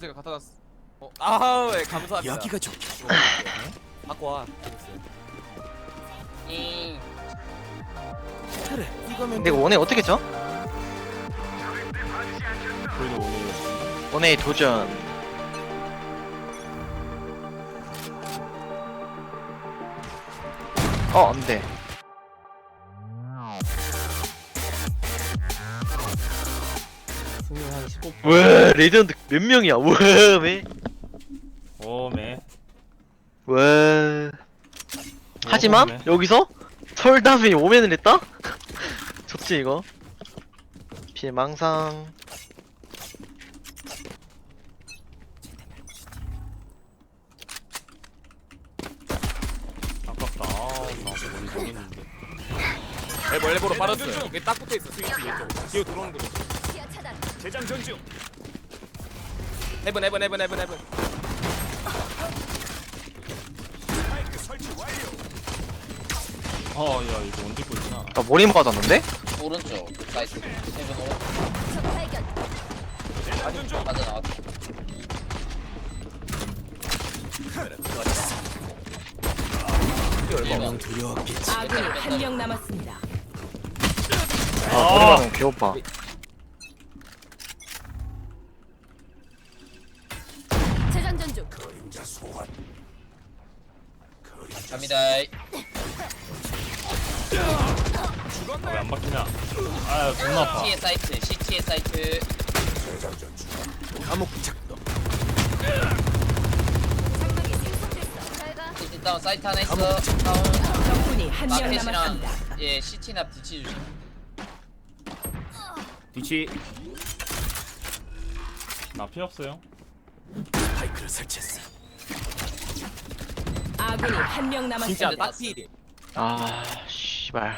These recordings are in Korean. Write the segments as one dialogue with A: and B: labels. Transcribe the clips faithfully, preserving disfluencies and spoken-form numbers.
A: 제가 갖다 놨어. 어, 아, 왜 감사합니다.
B: 여기가 좋게.
A: 갖고 와.
C: 잉.
B: 그래, 이거면
D: 근데 이거 원에 어떻게 쳐?
E: 그래도 오늘
D: 원에 도전. 어, 안 돼.
E: 승률 한 십오.
D: 와, 레전드 몇 명이야? 와, 왜?
E: 오메.
D: 와. 하지만
E: 오메.
D: 여기서 설담이 오면을 했다? 좋지 이거. 피해망상.
E: 아깝다. 아, 나도 머리 정했는데.
A: 엘보 엘보로 빨았어요. 여기 딱 붙어 있어. 스위치 왼쪽. 뒤에 들어오는 거.
F: 시야 차단.
A: 재장 전중. 헤븐 헤븐 헤븐 헤븐 헤븐.
E: 아, 야 이거 언제 꼴지나.
D: 나 머리 맞았는데?
C: 오른쪽 사이트 세븐 오른쪽
F: 적 발견.
C: 맞아 나왔다.
B: 분명 두려웠겠지.
F: 아군이 한 명 남았습니다.
D: 아, 머리 맞으면 개오빠.
F: 재장전 중.
C: 갑니다.
E: 왜 안 바뀌냐? 아, 존나 아파.
C: 시티의 사이트 시티의 사이트
B: 감옥 작동.
F: 장막이 생성됐어. 잘 가.
C: 시티 다운 사이트 하나 있어. 다운
F: 적군이 한 명
C: 마켓이랑
F: 남았습니다.
C: 예 시티나 뒤치 주심.
A: 뒤치.
E: 나 피 없어요.
B: 파이크를 설치했어.
F: 아군이 한 명 남았습니다.
A: 진짜 딱 피.
D: 아, 씨발.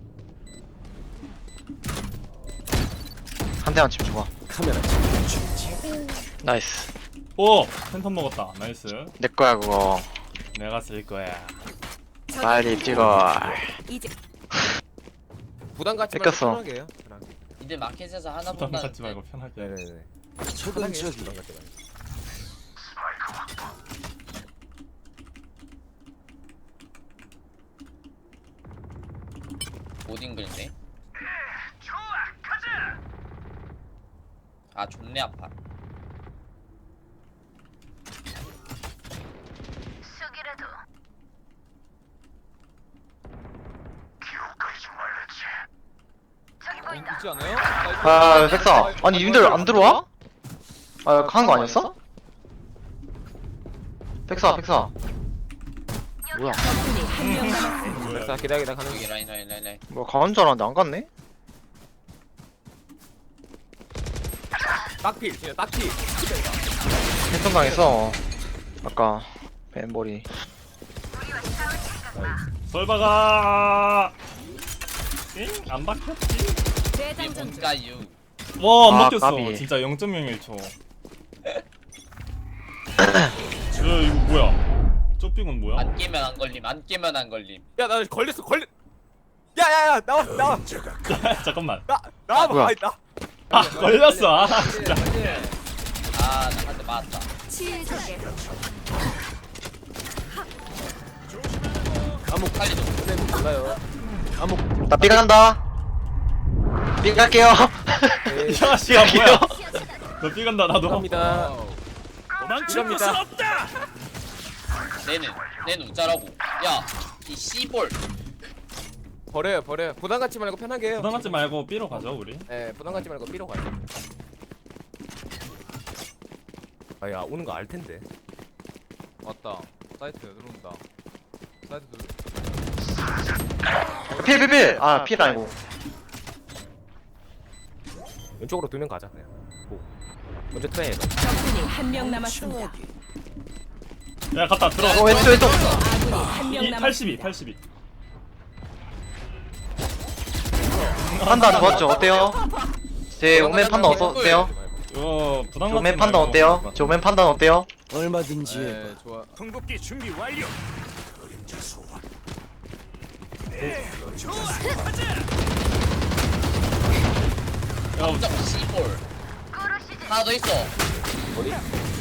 D: 한 대만 치면 좋아.
B: 카메라 찍는 중이지.
D: 나이스.
E: 오, 팬텀 먹었다. 나이스.
D: 내 거야 그거.
E: 내가 쓸 거야.
D: 빨리 찍어.
F: 이제
A: 부담 갖지 말고
D: 뺏겼어.
A: 편하게 해요. 편하게.
C: 이제 마켓에서 하나
E: 부담
C: 본다는데.
E: 갖지 말고 편하게.
A: 네네네.
B: 적은 저기.
A: 부담 갖지 말고.
C: 못 잉글네. 아 존내 아파.
F: 쑥이라도. 저기
A: 어,
F: 보인다.
A: 있지 않아요?
D: 아, 백사. 아니 님들 안 들어와? 아, 강한 거 아니었어? 백사, 백사. 뭐야?
F: 적군이 한 명 남았습니다.
E: 뭐야?
A: 자, 기다려 기다려 가는
C: 여기
A: 중.
C: 라인 라인 라인 라인.
D: 뭐 강한 줄 알았는데 안 갔네?
A: 딱필. 진짜 딱필.
D: 패턴 강했어. 아까 벤머리.
E: 설바가. 응? 안 바뀌었지?
C: 이게
F: 재장전 중.
C: 뭔가요?
E: 와, 안
D: 아,
E: 바뀌었어.
D: 까비.
E: 진짜 영 점 영일 초. 야, 이거 뭐야? 쪽빙은 뭐야?
C: 안 깨면 안 걸림. 안 깨면 안 걸림.
A: 야, 나 걸렸어. 걸렸. 야야야, 나와 나와.
E: 잠깐만.
A: 나 나와 봐.
D: 뭐야?
A: 아니, 나.
E: 아, 걸렸어. 아, 진짜.
C: 아 나 한 대 맞았다.
F: 치유적에.
A: 감옥
C: 살리도.
A: 선생님 몰라요. 감옥.
D: 나 삐가 간다. 삐 갈게요.
E: 야, 씨야 뭐야? 너 삐간다 나도.
A: 갑니다.
E: 도망칠
A: 곳은
E: 없다.
C: 내는 내는 우짜라고. 야 이 씨볼.
A: 버려요 버려요. 부담 갖지 말고 편하게 해요.
E: 부담 갖지 말고 삐로 가죠 우리.
A: 예, 부담 갖지 말고 삐로 가요. 아야 오는 거 알 텐데. 왔다. 사이트 들어온다. 사이트 들어.
D: 필, 필, 필. 아, 필 아니고.
A: 왼쪽으로 두 명 가자 그냥. 고. 먼저 트레이너.
F: 적군이 한 명 남았습니다.
E: 야, 갔다 들어.
D: 어, 왼쪽, 왼쪽.
F: 아군이 한 명
E: 이,
F: 남았습니다.
E: 팔십이, 팔십이.
D: 판단 좋았죠? 어때요? 제 오멘 판단 어떠세요?
E: 이거 부담
D: 저
E: 갖지
D: 오멘 판단
E: 말고.
D: 어때요? 저 오멘 판단 어때요?
B: 얼마든지 해봐.
A: 네, 좋아.
E: 궁극기 준비 완료. 야,
C: 점 씨볼. 하나 더 있어.
A: 어디?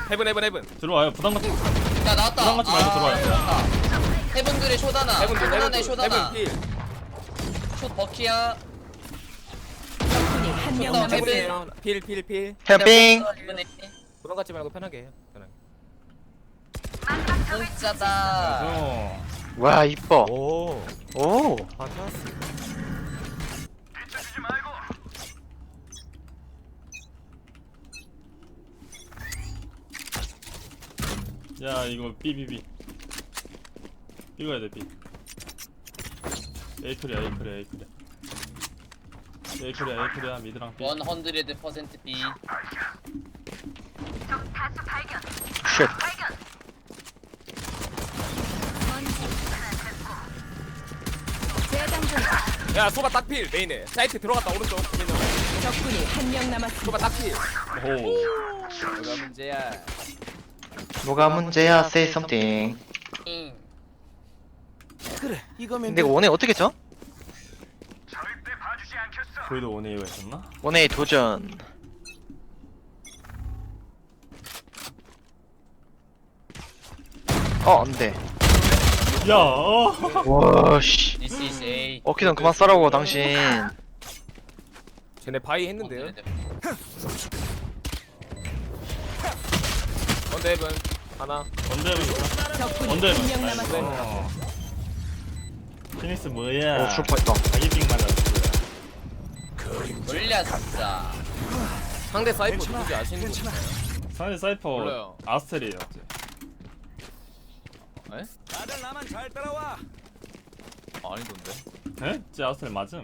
A: 헤븐 헤븐 헤븐.
E: 들어와요. 부담 갖지.
C: 야 나왔다.
E: 부담 갖지 말고 들어와요.
C: 들어왔다. 해븐들의 쇼다나.
A: 헤븐 둘
C: 쇼다나의
A: 헤븐
C: 쇼다나.
A: 둘. 헤븐 필.
C: 숏 버키야.
F: 적군이 한 명
C: 나
F: 남았습니다.
C: 헤븐.
A: 헤븐이에요. 필 필 필.
D: 캠핑.
C: 이번에
A: 부담 갖지 말고 편하게 해요. 편하게.
C: 진짜다.
E: 어.
D: 와 이뻐.
A: 오.
D: 오.
A: fantastic.
E: 야 이거 삐삐삐. 이거 해야 돼 삐. 에이클이야 에이클이야 에이클이야. 에이클이야 에이클이야 미드랑 삐.
C: 백 퍼센트 B.
D: 쉣.
F: 재장 중.
A: 야 소바 딱필 메인에. 사이트 들어갔다 오른쪽.
F: 적군이 한 명 남았습니다.
A: 소바 딱필.
E: 오.
A: 뭐가 문제야?
D: 뭐가 문제야? Say something.
C: 응.
B: 그래 이거면
D: 근데 이거 원에 어떻게 쳐?
E: 거기도 원에이가 있었나?
D: 원에 도전. 어 안돼.
E: 야. 어.
D: 와씨.
C: This is A.
D: 어키던 그만 싸라고 당신.
A: 쟤네 바이 했는데요. 원대 헤븐 하나.
E: 언제 해보니까?
F: 적군이
E: 언제
F: 한 명
E: 해보니까?
F: 남았습니다.
E: 어. 피니스 뭐야?
D: 오 슈퍼했다.
E: 자기빙 말랐어.
C: 돌려 진짜.
A: 상대 사이퍼 누구지 아시는 분?
E: 상대 사이퍼
A: 몰라요.
E: 아스텔이에요.
A: 에?
B: 다들 나만 잘 따라와.
A: 아니던데.
E: 에? 쟤 아스텔 맞음.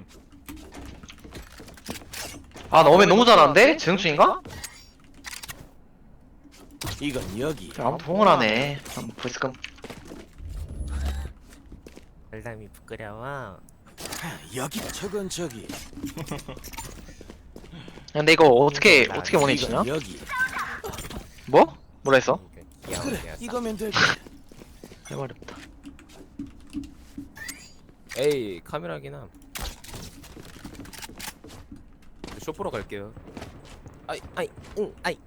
D: 아 너무 너무 잘하는데? 재능충인가?
B: 이건 여기.
D: 아무도 봉헌하네. 벌써
A: 알람이 부끄러워.
B: 아, 여기 저건 저기.
D: 근데 이거 어떻게 어떻게 원에 치냐?
B: 이건 여기.
D: 뭐? 뭐라 했어?
B: 그래 이거면 될
D: 해버렸다.
A: 에이 카메라긴 함. 쇼프로 갈게요. 아이 아이 응 아이.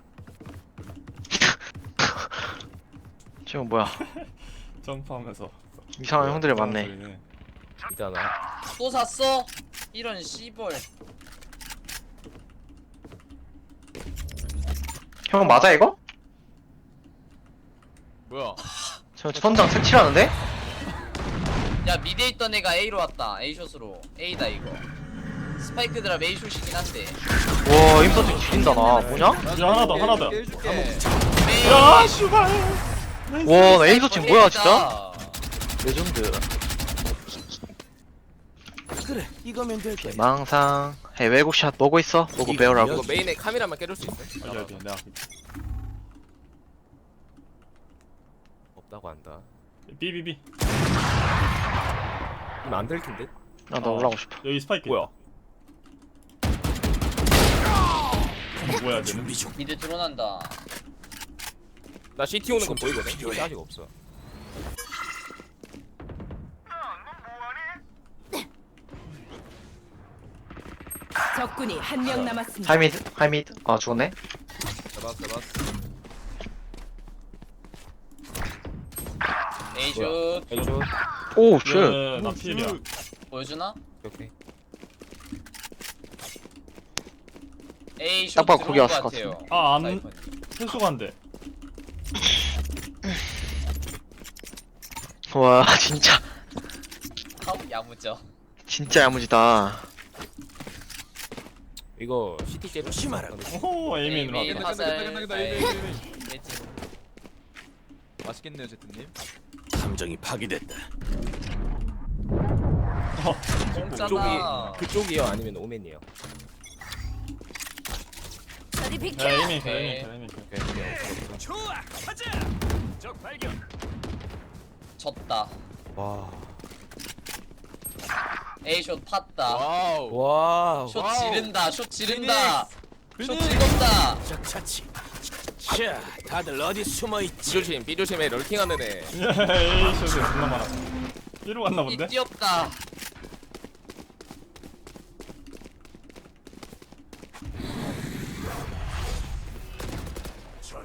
D: 지금 뭐야?
E: 점프하면서.
D: 이상한 형들이
E: 아,
D: 많네.
E: 보이네.
A: 있잖아.
C: 또 샀어? 이런 씨벌.
D: 형 맞아 이거?
A: 뭐야?
D: 저 천장 색칠하는데?
C: 야 미드에 있던 애가 A로 왔다. A 숏으로. A다 이거. 스파이크 드랍 A 숏이긴 한데.
D: 와 임서트 죽인다 나. 뭐냐?
E: 야 하나 더 하나 더.
A: 해줄게.
E: 야 슈발.
D: 와 나 임서트 뭐야 진짜? 레전드.
B: 그래 이거면 될 거야.
D: 망상. 해외 곡샷 보고 있어. 보고
B: 이거
D: 배우라고.
A: 이거 메인에 카메라만 깨줄 수 있어?
E: 어디 어디 내가
A: 없다고 한다.
E: 삐삐삐.
A: 이거 안 들킬 듯?
D: 나도 올라가고 싶어.
E: 여기 스파이크.
A: 뭐야?
E: 뭐야 쟤는?
B: 준비 중.
C: 미드 드론한다.
A: 나 씨티 오는 거 보이거든? 씨티 아직 없어.
F: 적군이 한 명 남았습니다.
D: 하이미드 하이미드. 아 죽었네.
A: 잡았어 잡았어.
C: A 숏.
A: 에이쇼.
D: 오 쉣.
E: 야, 나 필이야.
C: 보여주나?
A: 오케이.
C: A 숏
D: 딱 봐도
C: 들어온
D: 거기
C: 것
D: 왔을 것
C: 같아요.
E: 아, 안-
C: 사이펀이.
E: 회수가 안 돼.
D: 와 진짜
C: 아우 야무져.
D: 진짜 야무지다.
A: 이거 씨티 째려.
B: 조심하라.
E: 오 에이민으로
C: 에이,
E: 왔다.
C: 화살. 아이, 매진.
G: 맛있겠네요, 제트님.
B: 감정이 파괴됐다.
C: 공짜다.
A: 그쪽이 그쪽이요 아니면 오맨이요?
F: 저리
E: 야
F: 비켜.
E: 에이민 켜
C: 오케이.
E: 에이민 켜 에이민 켜.
B: 좋아 가자. 적 발견.
C: 졌다.
A: 와.
C: A 숏 팠다.
G: 와우.
A: 와우.
C: 숏
G: 와우.
C: 지른다. 숏 지른다. 숏
G: 피닉스.
C: 즐겁다.
B: 적 차치. 자 다들 어디 숨어 있지?
A: B조심 B조심에 럴킹하는 애.
E: 야 에이 쇼트 존나 많아. 삐로 갔나
C: 이
E: 본데?
C: 뛰었다.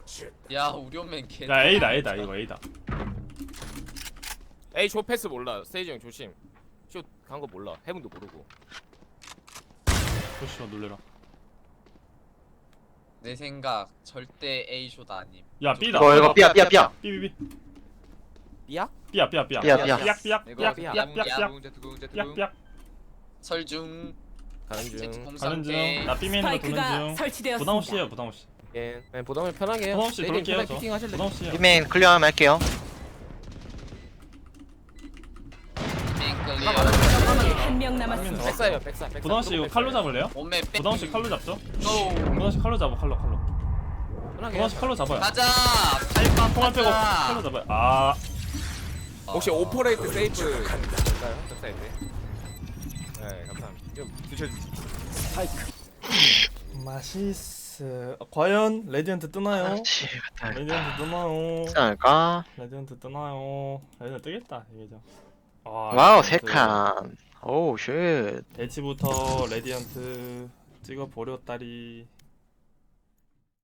C: 야 우리 오면 개.
E: 야 A다 A다 이거 A다.
A: 에이 쇼 패스 몰라. 스테이지 형 조심. 쇼 간 거 몰라. 해븐도 모르고.
E: 조심하 놀래라.
C: 내 생각 절대 A 숏 아님.
E: 야 B다.
D: 이거 이거 삐야 삐야 삐야.
E: B B B.
A: 삐야?
E: 삐야 삐야 삐야.
D: 삐야, 삐야.
E: 삐약 삐약
A: 이거
E: 삐약
A: 삐야.
E: 삐약 삐약 삐약
A: 두궁
E: 삐약 삐약.
C: 설중.
A: 가는
C: 제트
A: 중.
E: 가는
C: 공상
E: 중.
C: 게.
E: 나 B 메인으로 도는
F: 스파이크가
E: 중.
F: 설치되었습니다.
E: 부담 없이 해요 부담 없이.
A: 예. 그냥 보담을 편하게 해요.
E: 부담 없이
A: 내일은
E: 그렇게 해요
A: 편하게
E: 저.
A: 피킹 하실래?
E: 부담 없이 해요.
D: 이메인 클리어하면 할게요.
C: 메인 클리어.
F: 한명 남았습니다.
A: 백사예요. 백사. 백사.
E: 부담 없이 이거 칼로 잡을래요?
C: 몸에 빼.
E: 부담 없이 칼로 잡죠?
C: 고.
E: 부담 없이 칼로 잡아 칼로 칼로.
A: 편하게.
E: 부담 없이 칼로 잡아요.
C: 가자. 팔빵
E: 총알 빼고 칼로
C: 가자.
E: 잡아요. 아
A: 혹시 오퍼레이트 세이프 될까요? 백사인데. 네, 감사합니다. 좀 드셔주세요.
E: 맛있어. 과연 레디언트 뜨나요?
D: 그렇지.
E: 레디언트 뜨나요?
D: 하지 않을까?
E: 레디언트 뜨나요? 레디언트 뜨겠다 이게죠. 아,
D: 와우
E: 레디언트.
D: 세 칸. 오우 쉣.
E: 배치부터 레디언트 찍어 버렸다리.